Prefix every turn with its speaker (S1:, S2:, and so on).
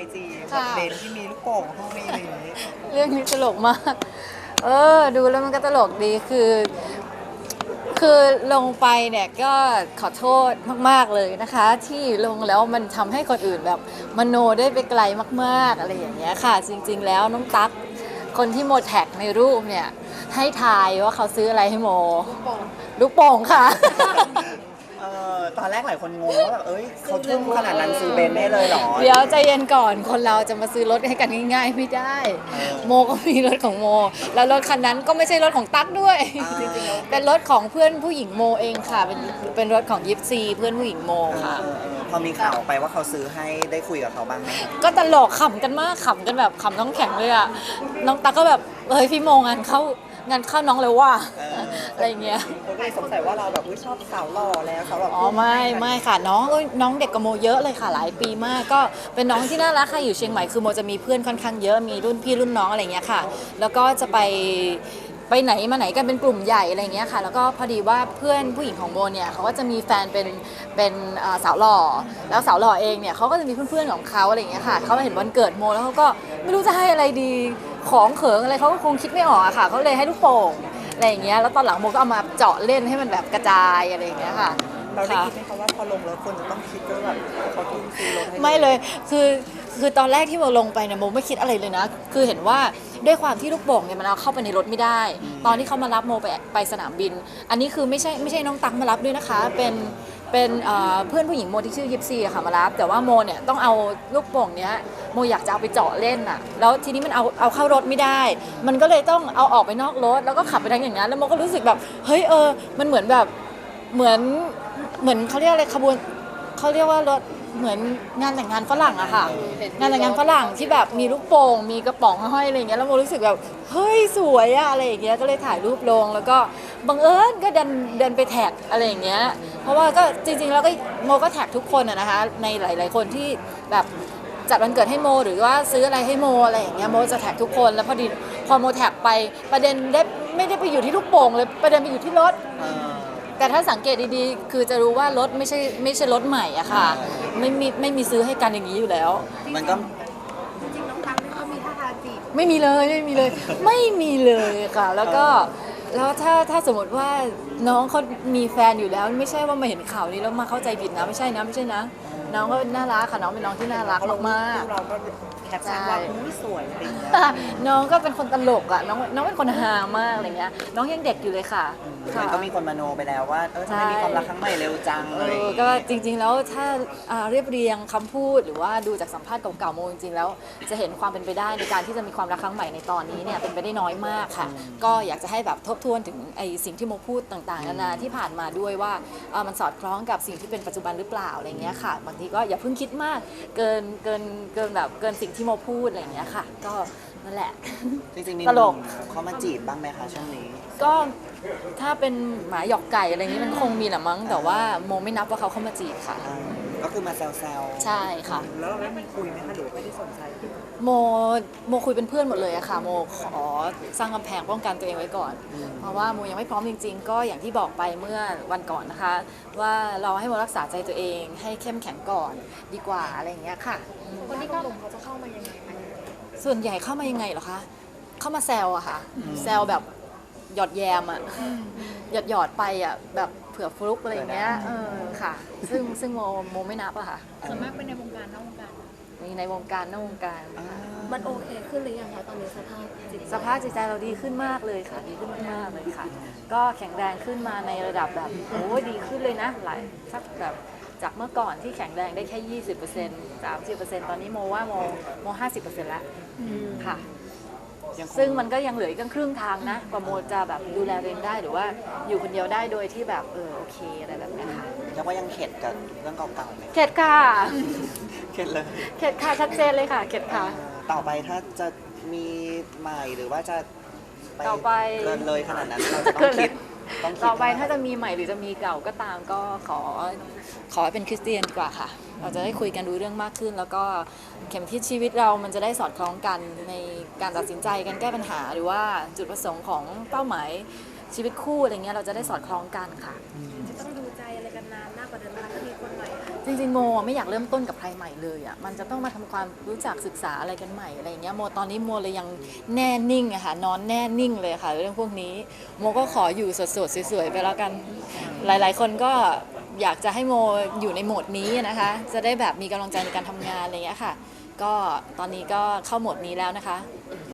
S1: จีแบบเบนที่มีลูกโป่งห้องนี้อะไรอย่างงี้
S2: เรื่องนี้ตลกมากดูแล้วมันก็ตลกดีคือลงไปเนี่ยก็ขอโทษมากๆเลยนะคะ ที่ลงแล้วมันทำให้คนอื่นแบบมโนได้ไปไกลมากๆอะไรอย่างเงี้ยค่ะจริงๆแล้วน้องตั๊กคนที่โมแท็กในรูปเนี่ยให้ทายว่าเขาซื้ออะไรให้โมลูกโป่งค่ะ
S1: ตอนแรกหลายคนงงว่าแบบเขาทุ่มขนาดนั้นซื้อเบนได้เลยเหรอ
S2: เดี๋ยวใจเย็นก่อนคนเราจะมาซื้อรถให้กันง่ายๆไม่ได้ โมก็มีรถของโมแล้วรถคันนั้นก็ไม่ใช่รถของตั๊กด้วยเป็นรถของเพื่อนผู้หญิงโมเองค่ะเป็นรถของยิปซีเพื่อนผู้หญิงโมค่ะ
S1: พอมีข่าวไปว่าเขาซื้อให้ได้คุยกับเขาบ้างไหม
S2: ก็ตลกขำกันมากขำกันแบบขำน้องแข็งเลยอะน้องตั๊กก็แบบพี่โมงานเข้าน้องเลยว่าอะไรเงี้ย
S1: ผมก็เลยสงสัยว่าเราแบบชอบสาวหล่อแล้วสาวหล่อ
S2: ไม่ค่ะน้องเด็กกับโมเยอะเลยค่ะหลายปีมากก็เป็นน้องที่น่ารักค่ะอยู่เชียงใหม่คือโมจะมีเพื่อนค่อนข้างเยอะมีรุ่นพี่รุ่นน้องอะไรเงี้ยค่ะแล้วก็จะไปไหนมาไหนกันเป็นกลุ่มใหญ่อะไรเงี้ยค่ะแล้วก็พอดีว่าเพื่อนผู้หญิงของโมเนี่ยเขาก็จะมีแฟนเป็นสาวหล่อแล้วสาวหล่อเองเนี่ยเขาก็จะมีเพื่อนๆของเขาอะไรเงี้ยค่ะเขาเห็นวันเกิดโมแล้วเขาก็ไม่รู้จะให้อะไรดีของเขิงอะไรเขาก็คงคิดไม่ออกอะค่ะเขาเลยให้ลูกโป่งอะไรอย่างเงี้ยแล้วตอนหลังโมก็เอามาเจาะเล่นให้มันแบบกระจายอะไรอย่างเงี้ยค่ะ
S1: เราได้คิดไหมคะว่าพอลงแล้วคนจะต้องคิดว่าแบบเขาทุ่มซื้อรถให้
S2: ไม่เลยคือตอนแรกที่โมลงไปเนี่ยโมไม่คิดอะไรเลยนะคือเห็นว่าด้วยความที่ลูกโป่งเนี่ยมันเอาเข้าไปในรถไม่ได้ตอนที่เขามารับโมไปสนามบินอันนี้คือไม่ใช่น้องตั๊กมารับด้วยนะคะเป็นเพื่อนผู้หญิงโมที่ชื่อยิปซีค่ะมารับแต่ว่าโมเนี่ยต้องเอาลูกโป่งเนี้ยโมอยากจะเอาไปเจาะเล่นอ่ะแล้วทีนี้มันเอาเข้ารถไม่ได้ มันก็เลยต้องเอาออกไปนอกรถแล้วก็ขับไปทางอย่างนั้นแล้วโมก็รู้สึกแบบเฮ้ยมันเหมือนแบบเหมือนเขาเรียกอะไรขบวนเขาเรียกว่ารถเหมือนงานแต่งงานฝรั่งอะค่ะงานแต่งงานฝรั่งที่แบบมีลูกโป่งมีกระป๋องห้อยอะไรอย่างเงี้ยแล้วโมรู้สึกแบบเฮ้ยสวยอะอะไรอย่างเงี้ยก็เลยถ่ายรูปลงแล้วก็บังเอิญก็เดินไปแท็กอะไรอย่างเงี้ยเพราะว่าก็จริงๆแล้วก็โมก็แท็กทุกคนอะนะคะในหลายๆคนที่แบบจัดวันเกิดให้โมหรือว่าซื้ออะไรให้โมอะไรอย่างเงี้ยโมจะแท็กทุกคนแล้วพอโมแท็กไปประเด็นไม่ได้ไปอยู่ที่ลูกโป่งเลยประเด็นไปอยู่ที่รถแต่ถ้าสังเกตดีๆคือจะรู้ว่ารถไม่ใช่รถใหม่อะค่ะไม่มีซื้อให้กันอย่างนี้อยู่แล้ว
S1: มันก็
S3: จริงๆน้องตั๊กนี่เขามีท่าทางจีบ
S2: ไม่มีเลยค่ะแล้วถ้าสมมติว่าน้องเขามีแฟนอยู่แล้วไม่ใช่ว่ามาเห็นข่าวนี้แล้วมาเข้าใจผิดนะไม่ใช่นะน้องก็น่ารักค่ะน้องเป็นน้องที่น่ารักมาก
S1: เราก็แคปชั่นว่าสวยอะไรอย่างเงี้ย
S2: น้องก็เป็นคนตลกอ่ะน้องเป็นคนฮามากอะไรเงี้ยน้องยังเด็กอยู่เลยค่ะ
S1: มันก็มีคนมโนไปแล้วว่าทำไมมีความรักครั้งใหม่เร็วจังเลย
S2: ก็จริงๆแล้วถ้าเรียบเรียงคำพูดหรือว่าดูจากสัมภาษณ์เก่าๆโมจริงๆแล้วจะเห็นความเป็นไปได้ในการที่จะมีความรักครั้งใหม่ในตอนนี้เนี่ยเป็นไปได้น้อยมากค่ะก็อยากจะให้แบบทบทวนถึงไอ้สิ่งที่โมพูดต่างๆนานาที่ผ่านมาด้วยว่ามันสอดคล้องกับสิ่งที่เป็นปัจจุบันหรือเปล่าอะไรเงี้ยค่ะบางทีก็อย่าเพิ่งคิดมากเกินสิ่งที่โมพูดอะไรเงี้ยค่ะก็นั่นแหละ
S1: จริงๆมี
S2: ตลก
S1: เขามาจีบบ้างไหมคะช่วงนี้
S2: ก็ถ้าเป็นหมาหยอกไก่อะไรนี้มันคงมีแหละมั้งแต่ว่าโมไม่นับว่าเขาเข้ามาจีบค่ะ
S1: ก็คือมาแซว
S2: ใช่ค่ะ
S1: แล้วเราได้มีคุยไหมคะหรือไม่ได้สนใจ
S2: โมคุยเป็นเพื่อนหมดเลยอะค่ะโมขอสร้างกำแพงป้องกันตัวเองไว้ก่อนเพราะว่าโมยังไม่พร้อมจริงๆก็อย่างที่บอกไปเมื่อวันก่อนนะคะว่าเราให้โมรักษาใจตัวเองให้เข้มแข็งก่อนดีกว่าอะไรอย่างเงี้ยค่ะ
S3: คนที่เข้าหลงเขาจะเข้ามายังไงคะ
S2: ส่วนใหญ่เข้ามายังไงเหรอคะเข้ามาแซวอะค่ะแซวแบบหยอดแยมอะหยอดไปอะแบบเผื่อฟลุกอะไรอย่างเงี้ยค่ะซึ่งโมไม่นับอะค่ะ
S3: ส่วนมากเป็นในวงการนอกวงการ
S2: มีในวงการนอกวงการ
S3: มันโอเคขึ้นหรือยังคะตอนนี้สภาพ
S2: จิตใจเราดีขึ้นมากเลยค่ะดีขึ้นมากๆเลยค่ะก็แข็งแรงขึ้นมาในระดับแบบโอ้ดีขึ้นเลยนะหลายสักแบบจากเมื่อก่อนที่แข็งแรงได้แค่ 20% 30%ตอนนี้โมว่าโม 50% แล้วค่ะซึ่งมันก็ยังเหลืออีกครึ่งทางนะกว่าโมจะแบบดูแลตัวเองได้หรือว่าอยู่คนเดียวได้โดยที่แบบโอเคอะไรแบบนี้ค่ะ
S1: ยังว่ายังเข็ดกับเรื่องเก่าๆไหม
S2: เข็ดค่ะ
S1: เข็ดเลย
S2: เข็ดค่ะชัดเจนเลยค่ะเข็ดค่ะ
S1: ต่อไปถ้าจะมีใหม่หรือว่าจะ
S2: ต่อไป
S1: เกินเลยขนาดนั้นเราจะต้องคิด
S2: ต่อไปถ้าจะมีใหม่หรือจะมีเก่าก็ตามก็ขอเป็นคริสเตียนดีกว่าค่ะเราจะได้คุยกันรู้เรื่องมากขึ้นแล้วก็เข็มทิศชีวิตเรามันจะได้สอดคล้องกันในการตัดสินใจกันแก้ปัญหาหรือว่าจุดประสงค์ของเป้าหมายชีวิตคู่อะไรเงี้ยเราจะได้สอดคล้องกันค่ะ
S3: จะต้องดูใจอะไรกันนานมากกว่าเดิมนะคะถ้ามีคนใหม่
S2: จริงๆโมไม่อยากเริ่มต้นกับใครใหม่เลยอ่ะมันจะต้องมาทำความรู้จักศึกษาอะไรกันใหม่อะไรอย่างเงี้ยโมตอนนี้โมเลยยังแน่นิ่งอะค่ะนอนแน่นิ่งเลยค่ะเรื่องพวกนี้โมก็ขออยู่สดๆสวยๆไปแล้วกันหลายๆคนก็อยากจะให้โมอยู่ในโหมดนี้นะคะจะได้แบบมีกำลังใจในการทำงานอะไรอย่างเงี้ยค่ะก็ตอนนี้ก็เข้าโหมดนี้แล้วนะคะ